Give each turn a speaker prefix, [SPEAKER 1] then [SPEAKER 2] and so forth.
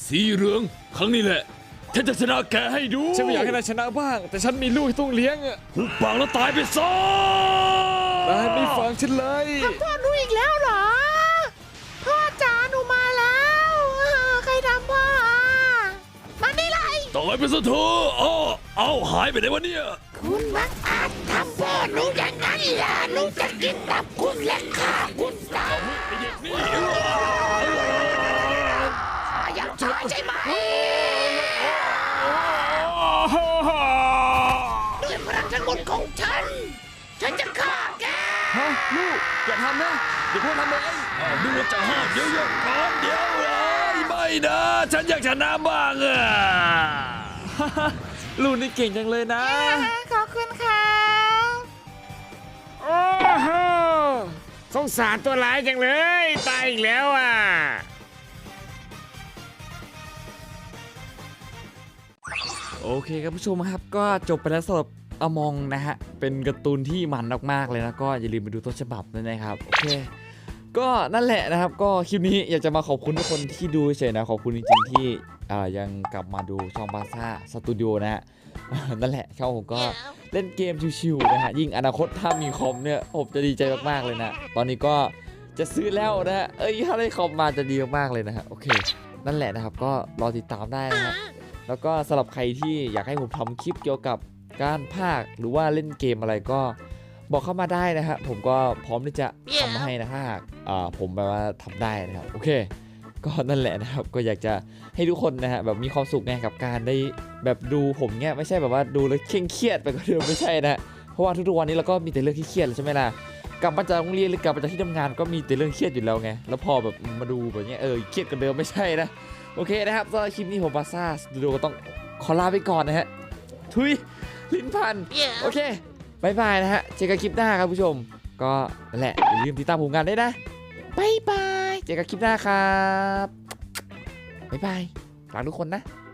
[SPEAKER 1] สีเหลืองครั้งนี้แหละฉันจะชนะแกให้ดู
[SPEAKER 2] ฉันไม่อยากให้นายชนะบ้างแต่ฉันมีลูกที่ต้องเลี้ยงอะ
[SPEAKER 1] หุบปากแล้วตายไปซะ
[SPEAKER 2] นายไม่ฟังฉันเลย
[SPEAKER 3] พ่อหนูอีกแล้วเหรอพ่อจ๋าหนูมาแล้วใครทำพ่อมานี่เลย
[SPEAKER 1] ตายไปซะเถอะเอาหายไปไหนวะเนี่ย
[SPEAKER 3] คุณมักอาจทำพ่อหนูอย่างนั้นล่ะหนูจะกินตับคุณและฆ่าคุณตาย
[SPEAKER 1] ไอ้เด็กนี่
[SPEAKER 3] อยากตายใช่ไหมด้วยพลังทั้งหมดของฉันจะฆ่าแก
[SPEAKER 2] ฮะลูกอย่าทำนะเดี๋ยวพ่อทำเอง
[SPEAKER 1] ดูว่าจะห้ามเดี๋ยวก่อนเดี๋ยวเลยไม่นะฉันอยากชนะบ้างอะ
[SPEAKER 2] ลูกนี่เก่งจังเลยนะ
[SPEAKER 3] ขอบคุณค่ะ
[SPEAKER 2] โอ้โหสงสารตัวร้ายจังเลยตายอีกแล้วอ่ะโอเคครับผู้ชมครับก็จบไปแล้วสำหรับอมองนะฮะเป็นการ์ตูนที่มันมากๆเลยนะก็อย่าลืมไปดูต้นฉบับด้วยนะครับโอเคก็นั่นแหละนะครับก็คลิปนี้อยากจะมาขอบคุณทุกคนที่ดูเฉยๆนะขอบคุณจริงๆที่ยังกลับมาดูช่องบาซ่าสตูดิโอนะฮะ นั่นแหละช่องผมก็เล่นเกมชิวๆนะฮะยิ่งอนาคตถ้ามีคอมเนี่ยผมจะดีใจมากๆเลยนะตอนนี้ก็จะซื้อแล้วนะฮะถ้าได้คอมมาจะดีมากๆเลยนะฮะโอเคนั่นแหละนะครับก็รอติดตามได้นะฮะแล้วก็สำหรับใครที่อยากให้ผมทำคลิปเกี่ยวกับการพากย์หรือว่าเล่นเกมอะไรก็บอกเข้ามาได้นะฮะผมก็พร้อมที่จะทำให้นะถ้าหากผมแบบว่าทำได้นะครับโอเคก็นั่นแหละนะครับก็อยากจะให้ทุกคนนะฮะแบบมีความสุขไงกับการได้แบบดูผมเนี้ยไม่ใช่แบบว่าดูแล้วเครียดไปก็เดิมไม่ใช่นะเพราะว่าทุกๆวันนี้เราก็มีแต่เรื่องที่เครียดใช่ไหมล่ะกลับมาจากโรงเรียนหรือกลับมาจากที่ทำงานก็มีแต่เรื่องเครียดอยู่แล้วไงแล้วพอแบบมาดูแบบเนี้ยเครียดกันเดิมไม่ใช่นะโอเคนะครับสำหรับคลิปนี้ผมบาซ่าสตูดิโอก็ต้องขอลาไปก่อนนะฮะทุยลิ้นพันโอเคบายบายนะฮะเจอกันคลิปหน้าครับผู้ชมก็นั่นแหละอย่าลืมติดตามผมกันด้วยนะบายบายเจอกันคลิปหน้าครับบายบายรักทุกคนนะ